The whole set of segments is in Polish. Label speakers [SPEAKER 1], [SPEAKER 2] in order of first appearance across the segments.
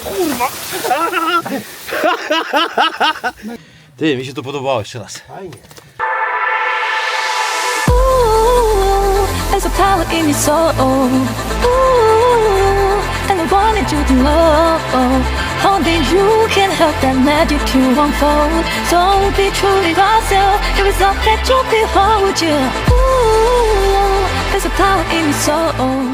[SPEAKER 1] kurwa!
[SPEAKER 2] Ty, mi się to podobało jeszcze raz.
[SPEAKER 1] Fajnie.
[SPEAKER 3] There's a power in your soul. Ooh, and I wanted you to know. Only you can help that magic to unfold. So be true to yourself. If it's not that you'll be hold you. Ooh, there's a power in your soul.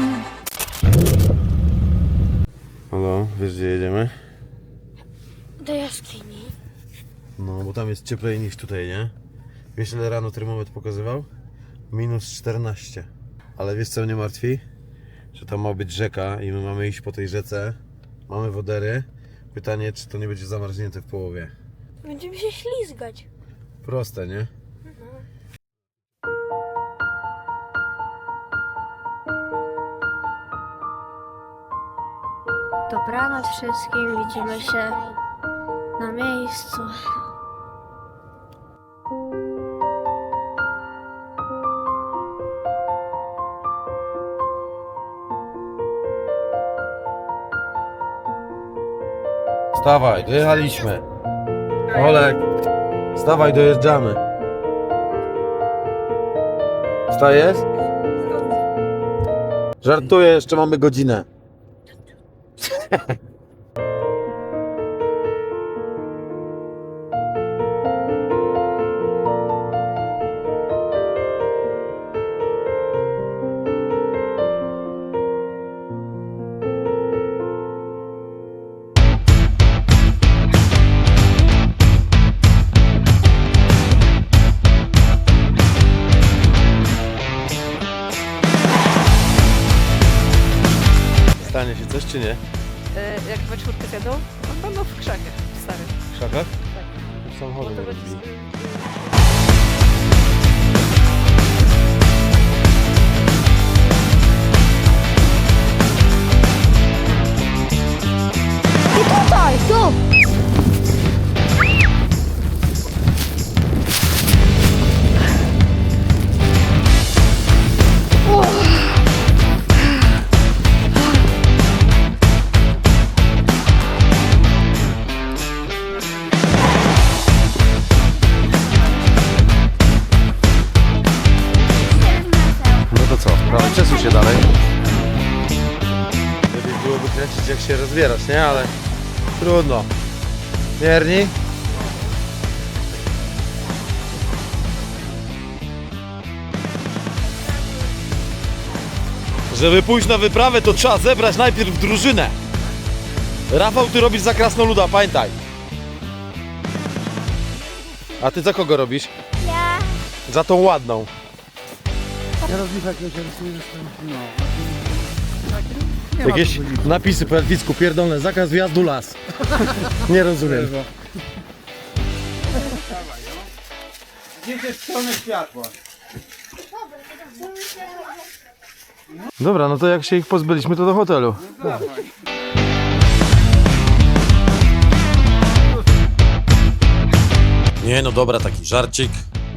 [SPEAKER 2] Halo, wiesz gdzie jedziemy?
[SPEAKER 4] Do jaskini.
[SPEAKER 2] No, bo tam jest cieplej niż tutaj, nie? Wiesz ile rano termometr pokazywał? -14. Ale wiesz co mnie martwi? Że tam ma być rzeka i my mamy iść po tej rzece. Mamy wodery. Pytanie, czy to nie będzie zamarznięte w połowie.
[SPEAKER 4] Będziemy się ślizgać.
[SPEAKER 2] Proste, nie?
[SPEAKER 4] Dobranoc wszystkim, widzimy się na miejscu.
[SPEAKER 2] Wstawaj, dojechaliśmy. Olek, wstawaj, dojeżdżamy. Wstajesz? Żartuję, jeszcze mamy godzinę. Stanie się coś czy nie?
[SPEAKER 5] Jak we czwórkę zjadą, on będą w krzakach starych.
[SPEAKER 2] W krzakach?
[SPEAKER 5] Tak.
[SPEAKER 2] W samochodzie
[SPEAKER 5] Bo to
[SPEAKER 2] nie
[SPEAKER 5] będzie-
[SPEAKER 2] rozbili.
[SPEAKER 4] I tutaj, tu!
[SPEAKER 2] No to co? Prawie przesuń się dalej. Lepiej byłoby kręcić jak się rozbierasz, nie? Ale trudno. Mierni? Żeby pójść na wyprawę, to trzeba zebrać najpierw drużynę. Rafał, ty robisz za krasnoluda, pamiętaj. A ty za kogo robisz?
[SPEAKER 4] Ja.
[SPEAKER 2] Za tą ładną.
[SPEAKER 1] Ja rozliczę jakiegoś rysuję, no.
[SPEAKER 2] Jakieś napisy po elficku pierdolne, zakaz wjazdu las. Nie rozumiem.
[SPEAKER 1] Idziecie w stronę światła.
[SPEAKER 2] Dobra, no to jak się ich pozbyliśmy, to do hotelu. Nie no dobra, taki żarcik.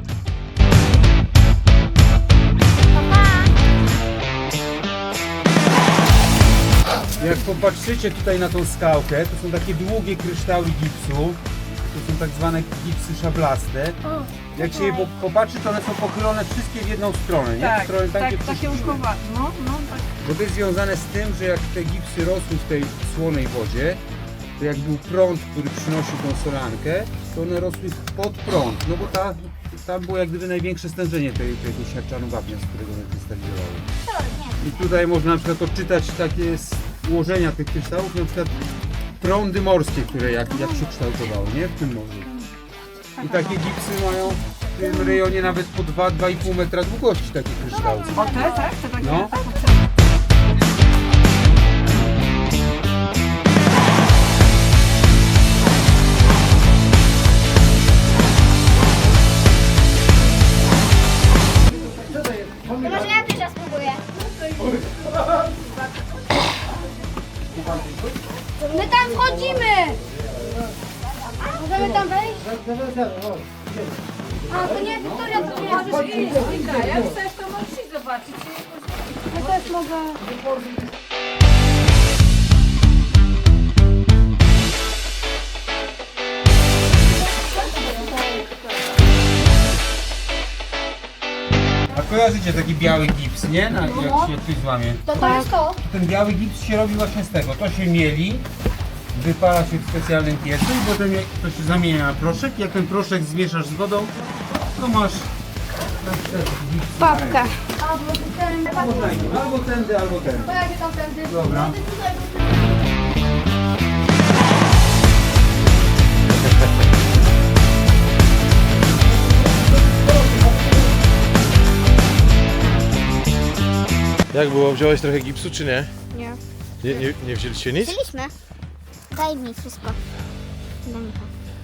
[SPEAKER 1] Jak popatrzycie tutaj na tą skałkę, to są takie długie kryształy gipsu. To są tak zwane gipsy szablaste. Jak się je popatrzy, to one są pochylone wszystkie w jedną stronę, nie?
[SPEAKER 5] Tak,
[SPEAKER 1] W stronę tam,
[SPEAKER 5] tak,
[SPEAKER 1] gdzie
[SPEAKER 5] takie
[SPEAKER 1] przyszły.
[SPEAKER 5] łóżkowa. No, tak.
[SPEAKER 1] Bo to jest związane z tym, że jak te gipsy rosły w tej słonej wodzie, to jak był prąd, który przynosił tą solankę, to one rosły pod prąd, no bo tam było jak gdyby największe stężenie tego siarczanu wapnia, z którego one krystalizowały. I tutaj można na przykład odczytać takie ułożenia tych kryształów, na przykład prądy morskie, które jak się kształtowały, nie? W tym morzu. I takie gipsy mają w tym rejonie nawet po 2-2,5 metra długości takie kryształy.
[SPEAKER 5] O te, tak? Te takie,
[SPEAKER 1] No.
[SPEAKER 5] tak?
[SPEAKER 4] To może ja pierwsza spróbuję. My tam wchodzimy! Możemy tam wejść? A, to nie, Wiktoria, to nie możesz iść.
[SPEAKER 5] Jak chcesz, to możesz iść zobaczyć.
[SPEAKER 4] Ja też mogę.
[SPEAKER 1] kojarzycie taki biały gips, nie? Jak się ktoś złamie.
[SPEAKER 4] To jest to.
[SPEAKER 1] Ten biały gips się robi właśnie z tego. To się mieli, wypala się w specjalnym piecu i potem to się zamienia na proszek. Jak ten proszek zmieszasz z wodą, to masz na przykład gips.
[SPEAKER 4] Papka.
[SPEAKER 1] Albo tędy, albo tędy.
[SPEAKER 4] To ja się tam tędy.
[SPEAKER 1] Dobra.
[SPEAKER 2] Jak było? Wziąłeś trochę gipsu czy nie?
[SPEAKER 5] Nie.
[SPEAKER 2] Nie wzięliście nic?
[SPEAKER 4] Wzięliśmy. Daj mi wszystko. Daj mi to.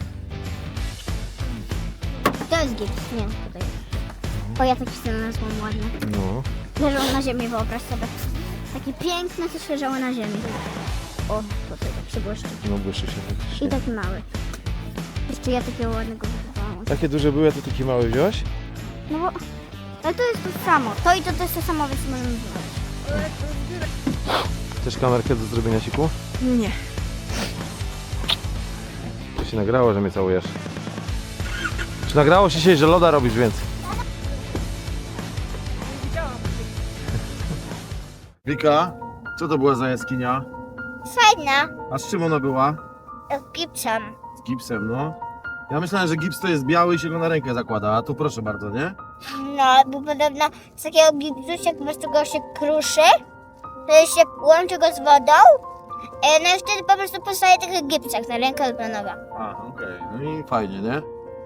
[SPEAKER 4] To jest gips, nie, tutaj. O, ja taki znalazłam ładny.
[SPEAKER 2] No.
[SPEAKER 4] Leżał na ziemi, wyobraź sobie. Takie piękne, coś leżało na ziemi. O, tutaj tak się błyszczy.
[SPEAKER 2] No błyszczy się
[SPEAKER 4] I
[SPEAKER 2] faktycznie.
[SPEAKER 4] taki mały. Jeszcze ja takiego ładnego wychowałam.
[SPEAKER 2] Takie duże były, a ty taki mały wziąłeś?
[SPEAKER 4] No bo... Ale to jest to samo. To i to jest to samo, więc możemy wziąć.
[SPEAKER 2] Chcesz kamerkę do zrobienia siku?
[SPEAKER 5] Nie.
[SPEAKER 2] To się nagrało, że mnie całujesz. Czy nagrało się dzisiaj, że loda robisz więcej? Wika, co to była za jaskinia?
[SPEAKER 4] Fajna.
[SPEAKER 2] A z czym ona była?
[SPEAKER 4] Gipsem.
[SPEAKER 2] Z gipsem, no. Ja myślałem, że gips to jest biały i się go na rękę zakłada, a tu proszę bardzo, nie?
[SPEAKER 4] No, bo podobno z takiego gipsu, jak po prostu go się kruszy, to się łączy go z wodą, no i wtedy po prostu powstaje taki gips, jak na rękę od nowa.
[SPEAKER 2] A, okej. No i fajnie, nie?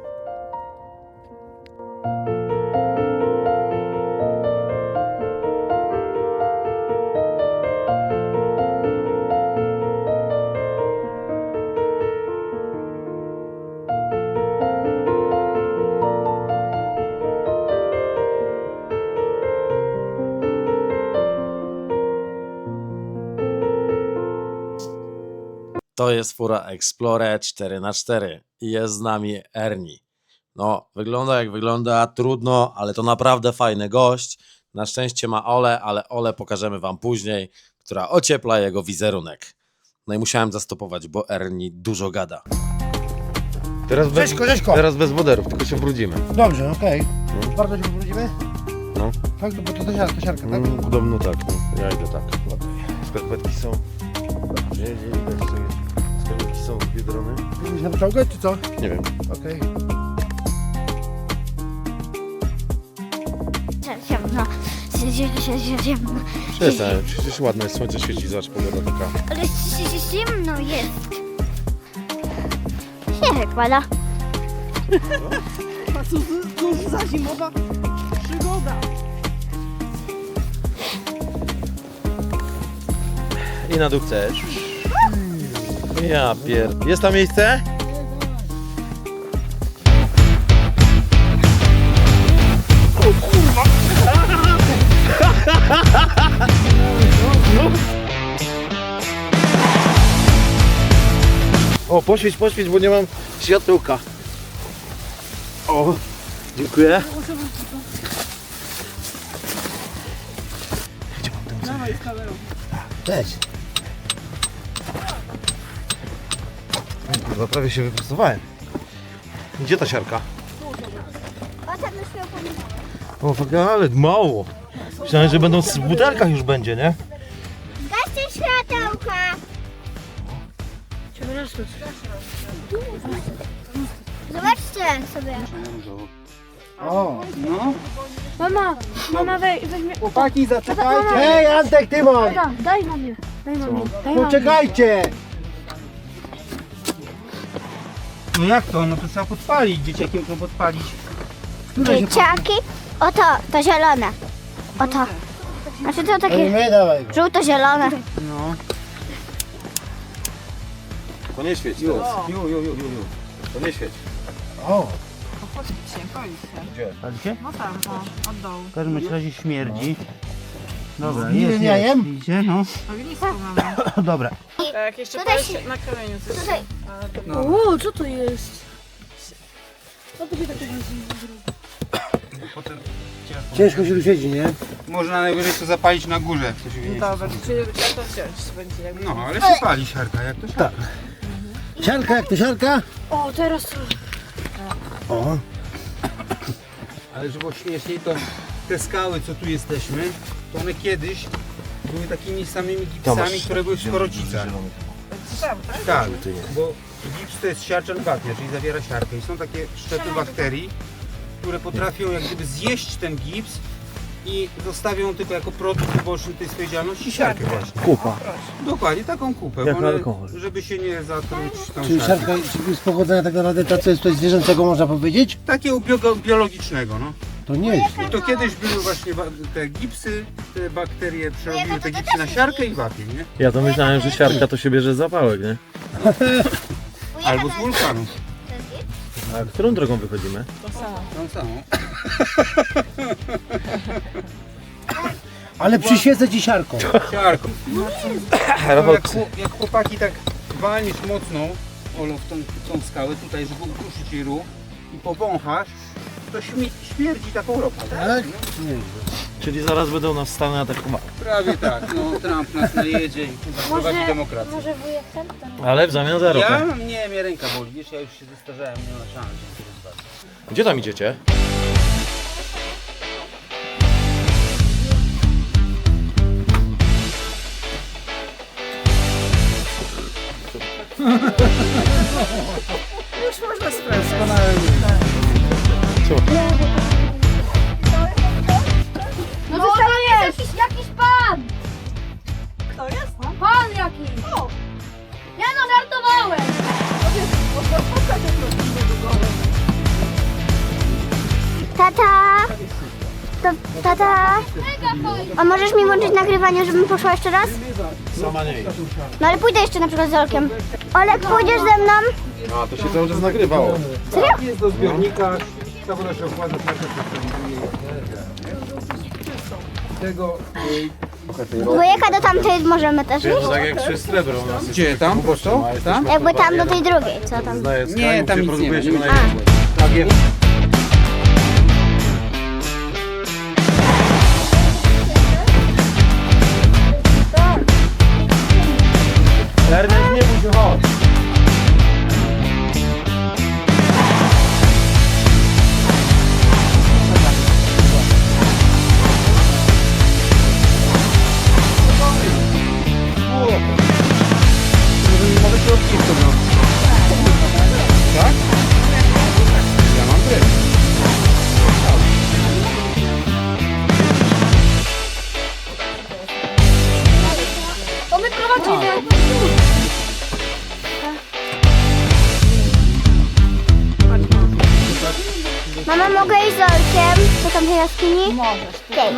[SPEAKER 6] To jest fura Explorer 4x4 i jest z nami Ernie. No, wygląda jak wygląda, trudno, ale to naprawdę fajny gość. Na szczęście ma Ole, ale Ole pokażemy wam później, która ociepla jego wizerunek. No i musiałem zastopować, bo Ernie dużo gada.
[SPEAKER 2] Teraz bez,
[SPEAKER 7] Cześćko.
[SPEAKER 2] teraz bez woderów, tylko się brudzimy.
[SPEAKER 7] Dobrze, okej. Bardzo się pobrudzimy?
[SPEAKER 2] No.
[SPEAKER 7] Tak, bo to siarka, tak?
[SPEAKER 2] Podobno tak, no. Ja idę tak. Skarpetki są. Skarpetki są z Biedrony.
[SPEAKER 7] Chcesz na pociągać, czy co?
[SPEAKER 2] Nie wiem.
[SPEAKER 7] Okej.
[SPEAKER 4] Ciemno. Ciemno.
[SPEAKER 2] Przestań, przecież ładne jest, słońce świeci, zobacz, pogoda taka.
[SPEAKER 4] Ale zimno jest. Śnieżek pada.
[SPEAKER 5] A cóż za zimowa przygoda.
[SPEAKER 2] I na dół chcesz. Ja Jest tam miejsce? O, poświeć, bo nie mam światełka. O, dziękuję.
[SPEAKER 5] Dawaj z kamerą.
[SPEAKER 7] Cześć.
[SPEAKER 2] Kurwa, prawie się wyprostowałem. Gdzie ta siarka?
[SPEAKER 4] O, tam już miał pomysł.
[SPEAKER 2] O, fuck, ale mało. Myślałem, że będą w butelkach już będzie, nie?
[SPEAKER 4] Gaście światełka. Zobaczcie sobie.
[SPEAKER 7] O.
[SPEAKER 1] No,
[SPEAKER 5] Mama weźmie.
[SPEAKER 7] Chłopaki, zaczekajcie. Hej, Antek, Tymon.
[SPEAKER 5] Daj mamie.
[SPEAKER 7] Poczekajcie.
[SPEAKER 1] no jak to? No to trzeba podpalić, dzieciakiem to podpalić.
[SPEAKER 4] Dzieciaki. Oto, to zielone. Oto. Znaczy to takie
[SPEAKER 7] My, dawaj go.
[SPEAKER 4] żółto-zielone.
[SPEAKER 1] No.
[SPEAKER 2] To nie świeć.
[SPEAKER 1] Ju.
[SPEAKER 2] To nie świeć.
[SPEAKER 7] O.
[SPEAKER 5] Palić się.
[SPEAKER 2] Gdzie?
[SPEAKER 1] Palicie?
[SPEAKER 5] No tam, o, od dołu.
[SPEAKER 1] W każdym razie śmierdzi. Dobra,
[SPEAKER 7] Z miłym jajem?
[SPEAKER 1] Widzicie, no.
[SPEAKER 5] Ognisko mamy.
[SPEAKER 1] Dobra.
[SPEAKER 5] Tak, jeszcze
[SPEAKER 4] Tutaj
[SPEAKER 5] palić
[SPEAKER 4] się-
[SPEAKER 5] na kamieniu coś.
[SPEAKER 4] Tutaj.
[SPEAKER 5] Ale to
[SPEAKER 1] No.
[SPEAKER 5] O, co to jest? Co to się takiego
[SPEAKER 1] Potem
[SPEAKER 7] Ciężko się tu siedzi, nie?
[SPEAKER 1] można najwyżej to zapalić na górze, jak ktoś wie.
[SPEAKER 5] Dobra, czy trzeba to wziąć? Będzie jakby...
[SPEAKER 1] No, ale się pali siarka, jak to siarka.
[SPEAKER 7] Siarka, jak to siarka?
[SPEAKER 5] O, teraz to...
[SPEAKER 7] O.
[SPEAKER 1] Ale żeby było śmieszniej, to te skały, co tu jesteśmy, to one kiedyś były takimi samymi gipsami, które były w Szkorocicach. Tak, bo gips to jest siarczan wapnia, czyli zawiera siarkę i są takie szczepy bakterii, które potrafią jak gdyby zjeść ten gips i zostawią tylko jako produkt uboczny tej swojej działalności siarkę właśnie.
[SPEAKER 7] Kupa.
[SPEAKER 1] Dokładnie, taką kupę,
[SPEAKER 7] Jak
[SPEAKER 1] bo one,
[SPEAKER 7] alkohol.
[SPEAKER 1] żeby się nie zatruć tą
[SPEAKER 7] Czyli
[SPEAKER 1] siarką.
[SPEAKER 7] siarka z pochodzenia tak naprawdę to co jest coś zwierzęcego, można powiedzieć?
[SPEAKER 1] Takiego biologicznego, no.
[SPEAKER 7] To nie jest.
[SPEAKER 1] I to kiedyś były właśnie te gipsy, te bakterie przerobiły te gipsy na siarkę i wapień, nie?
[SPEAKER 2] Ja to myślałem, że siarka to się bierze z zapałek, nie?
[SPEAKER 1] Albo z wulkanu.
[SPEAKER 2] A którą drogą wychodzimy?
[SPEAKER 1] Tą samą.
[SPEAKER 7] Ale przyświecę ci siarką.
[SPEAKER 1] Siarką.
[SPEAKER 2] Rafał,
[SPEAKER 1] Jak chłopaki tak walniesz mocno, Olo, w tą skałę tutaj, żeby ukruszyć jej ruch i powąchasz, to śmierdzi taką ropą.
[SPEAKER 7] Tak? Nie.
[SPEAKER 2] czyli zaraz będą nas Stany atakować.
[SPEAKER 1] Prawie tak, no Trump nas najedzie i prowadzi demokrację.
[SPEAKER 4] Może wujek ten?
[SPEAKER 2] Ale w zamian za ropę.
[SPEAKER 1] Ja? Nie, mnie ręka boli, wiesz, ja już się zestarzałem, nie ma szans. żeby to zobaczyć.
[SPEAKER 2] Gdzie tam idziecie?
[SPEAKER 5] Już można sprawdzić.
[SPEAKER 4] No to tam jest jakiś pan!
[SPEAKER 5] Kto jest?
[SPEAKER 4] Pan jakiś! Ja no żartowałem! Tata! Tata! A możesz mi włączyć nagrywanie, żebym poszła jeszcze raz?
[SPEAKER 2] Sama nie idź.
[SPEAKER 4] No ale pójdę jeszcze na przykład z Olkiem. Olek, pójdziesz ze mną?
[SPEAKER 2] A, to się cały czas nagrywało.
[SPEAKER 1] Jest do zbiornika, ta woda się ochładza, tego...
[SPEAKER 4] Dwójeka do tamtej możemy też iść?
[SPEAKER 2] To tak jak przy Srebro u nas jest.
[SPEAKER 1] Gdzie, tam? Po co? Tam?
[SPEAKER 4] Jakby tam do tej drugiej, co tam?
[SPEAKER 1] Nie, tam nic nie ma.
[SPEAKER 2] się
[SPEAKER 1] Tak jest.
[SPEAKER 2] Ernest, nie bój się, chodź.
[SPEAKER 1] Mogę się odcisnąć. Tak? Ja mam tyle.
[SPEAKER 4] To my prowadzimy! Mama, mogę iść z Olkiem do tamtej jaskini? Możesz. Okay.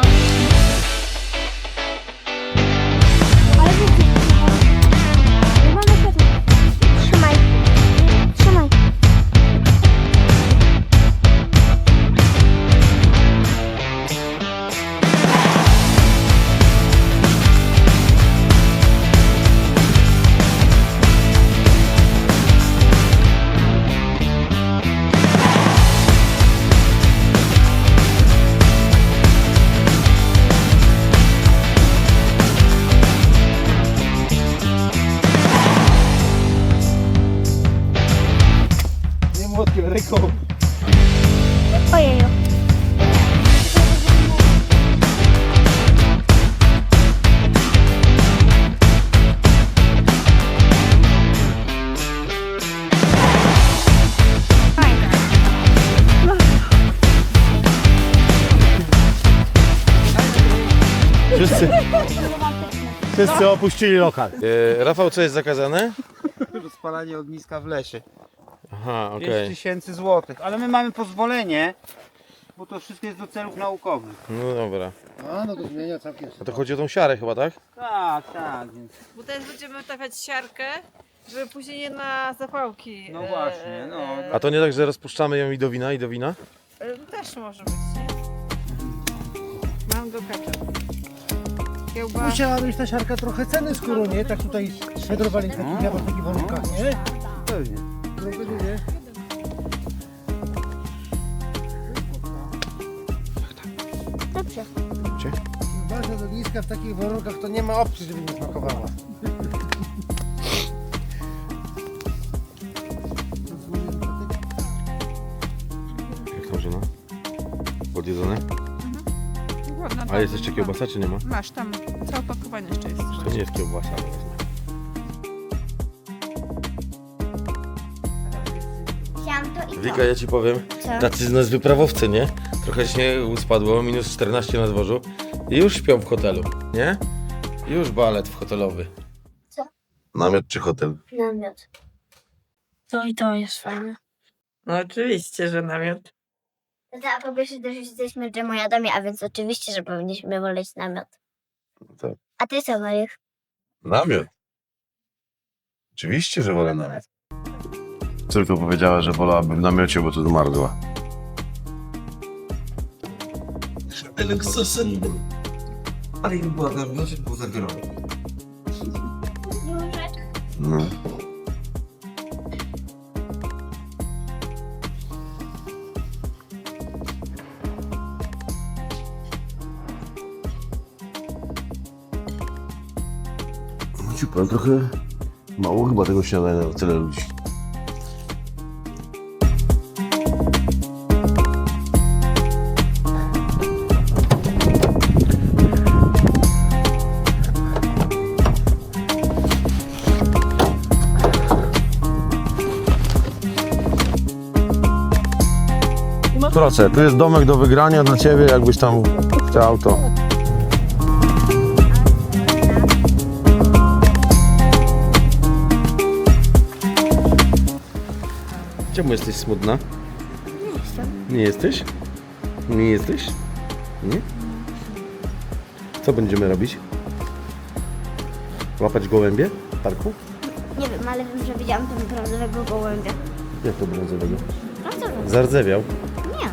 [SPEAKER 4] Trzymaj. Trzymaj.
[SPEAKER 7] Nie młotkiem, ręką.
[SPEAKER 4] Ojeju.
[SPEAKER 7] Wszyscy opuścili lokal.
[SPEAKER 2] Rafał, co jest zakazane?
[SPEAKER 1] Rozpalanie ogniska w lesie.
[SPEAKER 2] Aha,
[SPEAKER 1] 5000 złotych. Ale my mamy pozwolenie, bo to wszystko jest do celów naukowych.
[SPEAKER 2] No dobra.
[SPEAKER 7] A, no to zmienia całkiem.
[SPEAKER 2] A to chodzi o tą siarę chyba, tak?
[SPEAKER 1] Tak, tak, więc...
[SPEAKER 5] Bo teraz będziemy tapiać siarkę, żeby później nie na zapałki.
[SPEAKER 1] No właśnie, no.
[SPEAKER 2] A to nie tak, że rozpuszczamy ją i do wina, i do wina?
[SPEAKER 5] Też może być, nie? Mam go kaczę. Kiełba.
[SPEAKER 7] Musiała mieć ta siarka trochę ceny, skoro nie, tak tutaj wędrowali w takich warunkach, nie?
[SPEAKER 1] Pewnie.
[SPEAKER 7] No to nie.
[SPEAKER 4] Dobrze.
[SPEAKER 7] Bardzo do ogniska w takich warunkach to nie ma opcji, żeby nie smakowała.
[SPEAKER 2] Jak tam żona? Podjedzone? A jest jeszcze kiełbasa, czy nie ma?
[SPEAKER 5] Masz tam, całe opakowanie jeszcze jest.
[SPEAKER 2] To nie jest kiełbasa, ale wezmę.
[SPEAKER 4] Chciałam to i to.
[SPEAKER 2] Wika, ja ci powiem,
[SPEAKER 4] Co?
[SPEAKER 2] tacy z nas wyprawowcy, nie? Trochę śniegu spadło, minus 14 na dworzu i już śpią w hotelu, nie? Już balet w hotelowy.
[SPEAKER 4] Co?
[SPEAKER 2] Namiot czy hotel?
[SPEAKER 4] Namiot. To i to jest fajne.
[SPEAKER 5] No oczywiście, że namiot.
[SPEAKER 4] A po pierwsze też jesteśmy dżemojadami, a więc oczywiście, że powinniśmy woleć namiot.
[SPEAKER 2] Tak.
[SPEAKER 4] A ty co wolisz?
[SPEAKER 2] Namiot. Oczywiście, że wolę namiot. Córka powiedziała, że wolałabym w namiocie, bo tu zmarzła.
[SPEAKER 8] Ale jakby była na miocie, to było za gorąco.
[SPEAKER 2] No. No ci powiem, trochę mało chyba tego śniadania na tyle ludzi. Proszę, tu jest domek do wygrania dla ciebie, jakbyś tam chciał to. Czemu jesteś smutna?
[SPEAKER 4] Nie jestem.
[SPEAKER 2] Nie jesteś? Nie jesteś? Nie? Co będziemy robić? Łapać gołębie w parku?
[SPEAKER 4] Nie wiem, ale wiem, że widziałam tam brązowego gołębia.
[SPEAKER 2] Jak to brązowego?
[SPEAKER 4] Brązowego?
[SPEAKER 2] Zardzewiał.
[SPEAKER 4] Nie.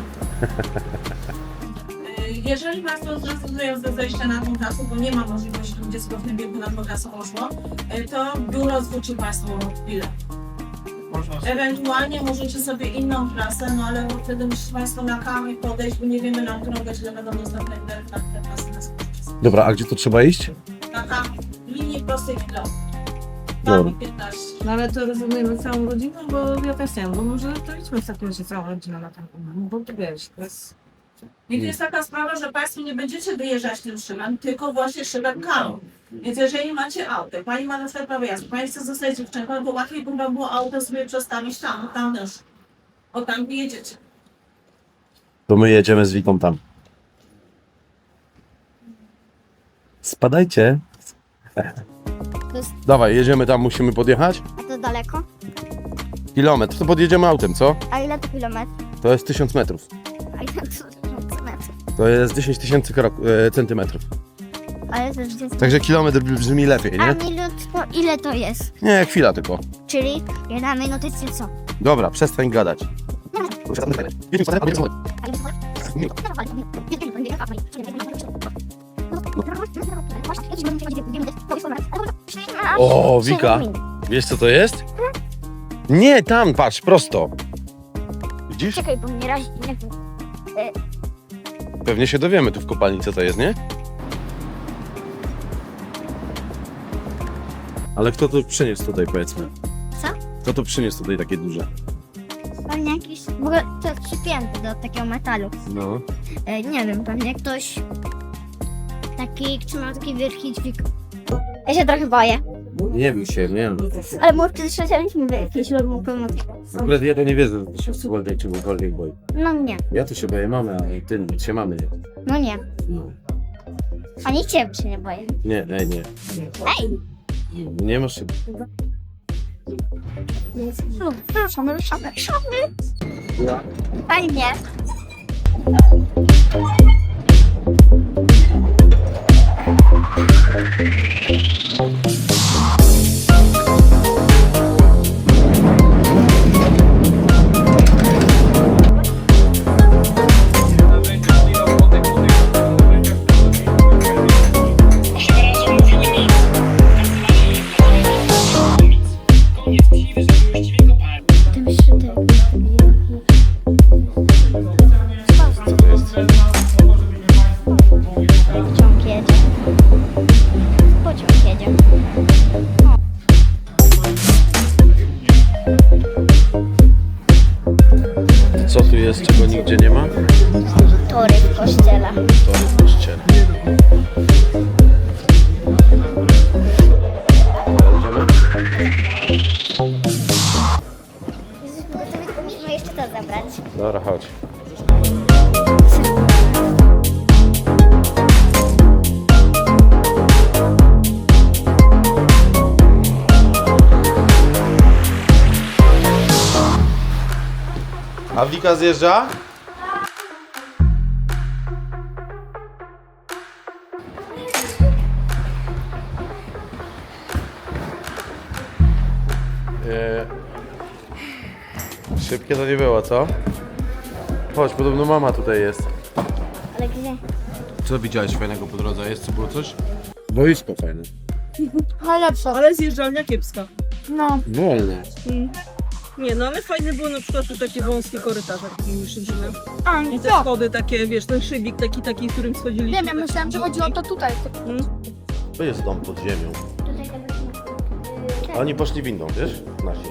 [SPEAKER 9] Jeżeli Państwo zrezygnują ze zejścia na tą trasę, bo nie ma możliwości, żeby dziecko w tym wieku na tą trasę poszło, to biuro zwróci Państwu bilet. Ewentualnie możecie sobie inną trasę, no ale wtedy musicie Państwo na kamień podejść, bo nie wiemy, na którą godzinę będą dostępne te trasy na skończyć.
[SPEAKER 2] Dobra, a gdzie to trzeba iść?
[SPEAKER 9] Na kamień, linii prostej kilometr.
[SPEAKER 2] Dobra.
[SPEAKER 9] 15.
[SPEAKER 5] No ale to rozumiemy całą rodzinę, bo ja też nie wiem, bo może to idźmy w takim razie całą rodzinę na taką, bo tu wiesz, to jest...
[SPEAKER 9] I to jest taka sprawa, że Państwo nie będziecie wyjeżdżać tym szybem, tylko właśnie szybem karą. Więc jeżeli macie auto, Pani ma na swoje prawo jazdy, Pani chce zostać dziewczynką, to łatwiej by Wam było auto sobie przestawić tam też. O tam wyjedziecie.
[SPEAKER 2] To my jedziemy z Wiką tam. Spadajcie.
[SPEAKER 4] jest-
[SPEAKER 2] Dawaj, jedziemy tam, musimy podjechać.
[SPEAKER 4] A to daleko?
[SPEAKER 2] Kilometr, to podjedziemy autem, co?
[SPEAKER 4] A ile to kilometr?
[SPEAKER 2] To jest 1000 metrów.
[SPEAKER 4] A ile to centymetrów?
[SPEAKER 2] To jest 10 tysięcy centymetrów.
[SPEAKER 4] Ale to jest...
[SPEAKER 2] Także kilometr brzmi lepiej,
[SPEAKER 4] A
[SPEAKER 2] nie?
[SPEAKER 4] minut to ile to jest?
[SPEAKER 2] Nie, chwila tylko.
[SPEAKER 4] Czyli 1 minutę czy co?
[SPEAKER 2] Dobra, przestań gadać. O, Wika. Wiesz co to jest? Nie, tam, patrz, prosto. Widzisz?
[SPEAKER 4] Czekaj, bo mnie razi, nie wiem.
[SPEAKER 2] Pewnie się dowiemy tu w kopalni, co to jest, nie? Ale kto to przyniósł tutaj, powiedzmy?
[SPEAKER 4] Co?
[SPEAKER 2] Kto to przyniósł tutaj takie duże?
[SPEAKER 4] Pewnie jakiś, w ogóle to jest przypięte do takiego metalu.
[SPEAKER 2] No.
[SPEAKER 4] Nie wiem, pewnie ktoś taki, trzymał taki wielki dźwig. Ja się trochę boję.
[SPEAKER 2] Nie wiem się, nie wiem.
[SPEAKER 4] Ale może kiedyś lecieliśmy w jakiejś lodową pomocy.
[SPEAKER 2] W ogóle ja to nie wiedzę, że się w czegokolwiek boi.
[SPEAKER 4] No nie,
[SPEAKER 2] Ja tu się boję mamy, a ty się mamy nie.
[SPEAKER 4] no nie.
[SPEAKER 2] No.
[SPEAKER 4] Ani ciebie się nie boję.
[SPEAKER 2] Nie, nie, nie.
[SPEAKER 4] Ej!
[SPEAKER 2] Nie masz się...
[SPEAKER 4] Ruszamy. Fajnie. Tym szczytem. Pociąg jedzie. Pociąg jedzie.
[SPEAKER 2] Dobra, chodź. A Wika zjeżdża? Szybkie to nie było, co? Chodź, podobno mama tutaj jest.
[SPEAKER 4] Ale gdzie?
[SPEAKER 2] Co widziałeś fajnego po drodze? Jest, co było coś? Boisko fajne.
[SPEAKER 4] Najlepsze.
[SPEAKER 5] Ale zjeżdżalnia kiepska.
[SPEAKER 4] No.
[SPEAKER 2] Wolne.
[SPEAKER 5] Nie, no ale fajne było na przykład tu takie wąskie korytarze, takimi szydzimy.
[SPEAKER 4] A,
[SPEAKER 5] I te schody takie, wiesz, ten szybik taki, którym schodziliśmy.
[SPEAKER 4] Wiem, ja myślałam, że chodzi o to tutaj.
[SPEAKER 2] To jest dom pod ziemią. A oni poszli windą, wiesz? Nasi.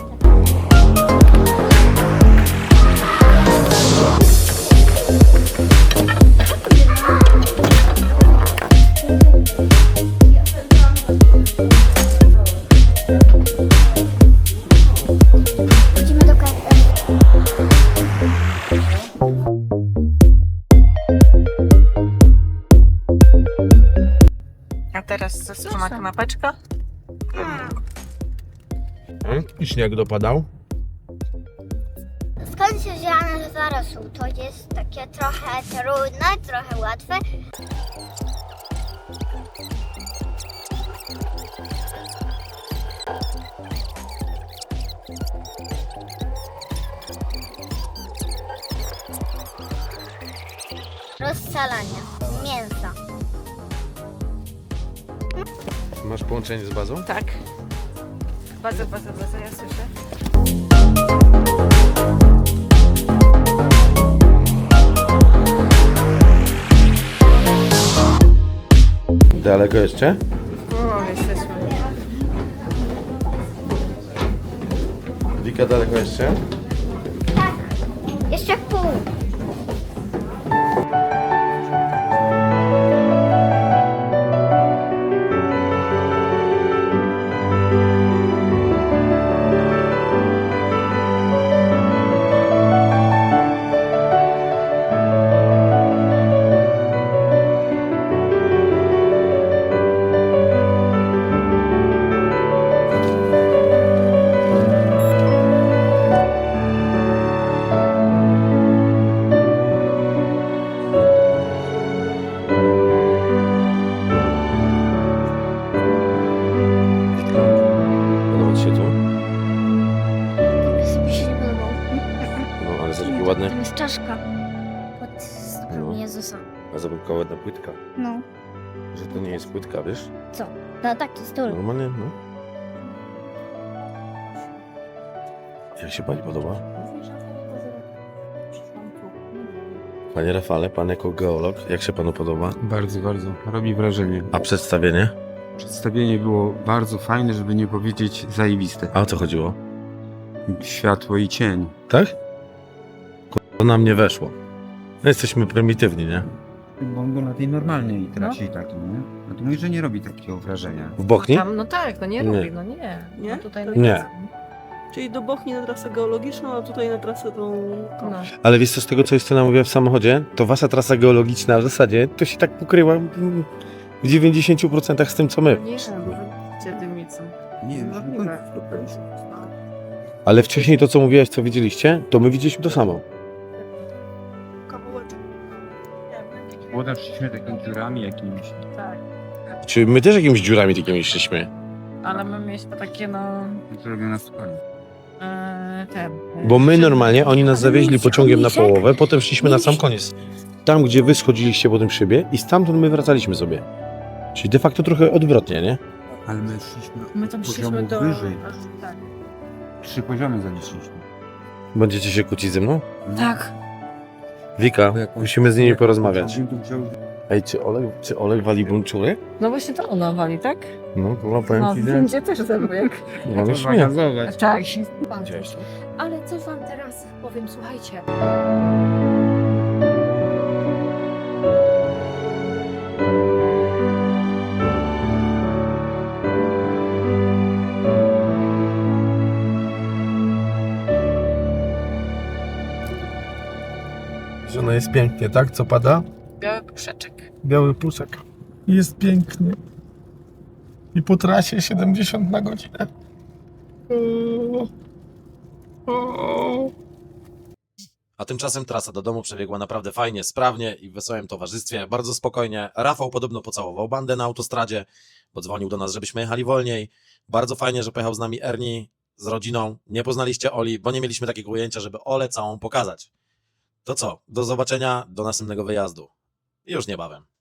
[SPEAKER 4] Idziemy do kawy.
[SPEAKER 5] A teraz zastrzyma kanapeczka.
[SPEAKER 2] I śnieg dopadał?
[SPEAKER 4] Skąd się wzięła nazwa rosół? To jest takie trochę trudne, trochę łatwe. Rozsalania mięsa.
[SPEAKER 2] Masz połączenie z bazą?
[SPEAKER 5] Tak. Baza, ja słyszę.
[SPEAKER 2] Daleko jeszcze?
[SPEAKER 5] O, jesteśmy.
[SPEAKER 2] Wika, daleko jeszcze?
[SPEAKER 4] Jeszcze pół.
[SPEAKER 2] Podoba ci się tu?
[SPEAKER 4] Mi się nie podobał.
[SPEAKER 2] No, ale zobacz, jaki ładny.
[SPEAKER 4] Tam jest czaszka pod stopą
[SPEAKER 2] No.
[SPEAKER 4] Jezusa.
[SPEAKER 2] A zobacz, jaka ładna płytka.
[SPEAKER 4] No.
[SPEAKER 2] Że to nie jest płytka, wiesz?
[SPEAKER 4] No taki stół.
[SPEAKER 2] Normalnie, no. Jak się pani podoba? Panie Rafale, pan jako geolog, jak się panu podoba?
[SPEAKER 1] Bardzo, bardzo. Robi wrażenie.
[SPEAKER 2] A przedstawienie?
[SPEAKER 1] Przedstawienie było bardzo fajne, żeby nie powiedzieć zajebiste.
[SPEAKER 2] A o co chodziło?
[SPEAKER 1] Światło i cień.
[SPEAKER 2] Tak? To na mnie weszło. My jesteśmy prymitywni, nie?
[SPEAKER 1] Bo on był na tej normalnej trasie i takiej, nie? No to mówi, że nie robi takiego wrażenia.
[SPEAKER 2] W Bochni?
[SPEAKER 10] Tam, no tak, no nie
[SPEAKER 2] Nie.
[SPEAKER 10] robi, no nie.
[SPEAKER 5] Nie?
[SPEAKER 10] No tutaj
[SPEAKER 2] Nie.
[SPEAKER 5] Czyli do Bochni na trasę geologiczną, a tutaj na trasę tą...
[SPEAKER 10] No.
[SPEAKER 2] Ale wiesz co, z tego co Justyna mówiła w samochodzie, to wasza trasa geologiczna w zasadzie to się tak pokryła w 90% z tym co my.
[SPEAKER 10] Nie, bo wy dymicą.
[SPEAKER 1] Nie,
[SPEAKER 10] Możliwe.
[SPEAKER 2] Ale wcześniej to co mówiłaś, co widzieliście, to my widzieliśmy to samo.
[SPEAKER 5] Kawałeczek.
[SPEAKER 1] Młoda szliśmy takimi dziurami jakimiś.
[SPEAKER 10] Tak.
[SPEAKER 2] Czy my też jakimiś dziurami takimi szliśmy?
[SPEAKER 10] Ale my mieliśmy takie, no...
[SPEAKER 1] Zrobione na spokojnie.
[SPEAKER 2] Bo my normalnie, oni nas zawieźli pociągiem na połowę, potem szliśmy na sam koniec. Tam, gdzie wy schodziliście po tym szybie i stamtąd my wracaliśmy sobie. Czyli de facto trochę odwrotnie, nie?
[SPEAKER 1] Ale my szliśmy
[SPEAKER 10] My tam
[SPEAKER 1] poziomu
[SPEAKER 10] szliśmy do...
[SPEAKER 1] wyżej.
[SPEAKER 10] Tak.
[SPEAKER 1] 3 poziomy zaliczyliśmy.
[SPEAKER 2] Będziecie się kłócić ze mną?
[SPEAKER 10] Tak.
[SPEAKER 2] Wika, musimy z nimi porozmawiać.
[SPEAKER 1] Pociągiem to wziął-
[SPEAKER 2] Ej, czy Olek wali bunczury?
[SPEAKER 10] No właśnie to ona wali, tak?
[SPEAKER 2] No, powiem
[SPEAKER 10] No,
[SPEAKER 2] ci, że...
[SPEAKER 10] będzie też zębujek.
[SPEAKER 2] No, już nie.
[SPEAKER 10] Tak.
[SPEAKER 2] Widziałeś to?
[SPEAKER 3] Ale coś wam teraz powiem, słuchajcie.
[SPEAKER 2] No jest pięknie, tak? Co pada?
[SPEAKER 10] Biały puszeczek.
[SPEAKER 2] Biały puszek. Jest pięknie. I po trasie 70 na godzinę.
[SPEAKER 6] A tymczasem trasa do domu przebiegła naprawdę fajnie, sprawnie i w wesołym towarzystwie, bardzo spokojnie. Rafał podobno pocałował bandę na autostradzie, bo dzwonił do nas, żebyśmy jechali wolniej. Bardzo fajnie, że pojechał z nami Ernie z rodziną. Nie poznaliście Oli, bo nie mieliśmy takiego ujęcia, żeby Olę całą pokazać. To co? Do zobaczenia, do następnego wyjazdu. Już niebawem.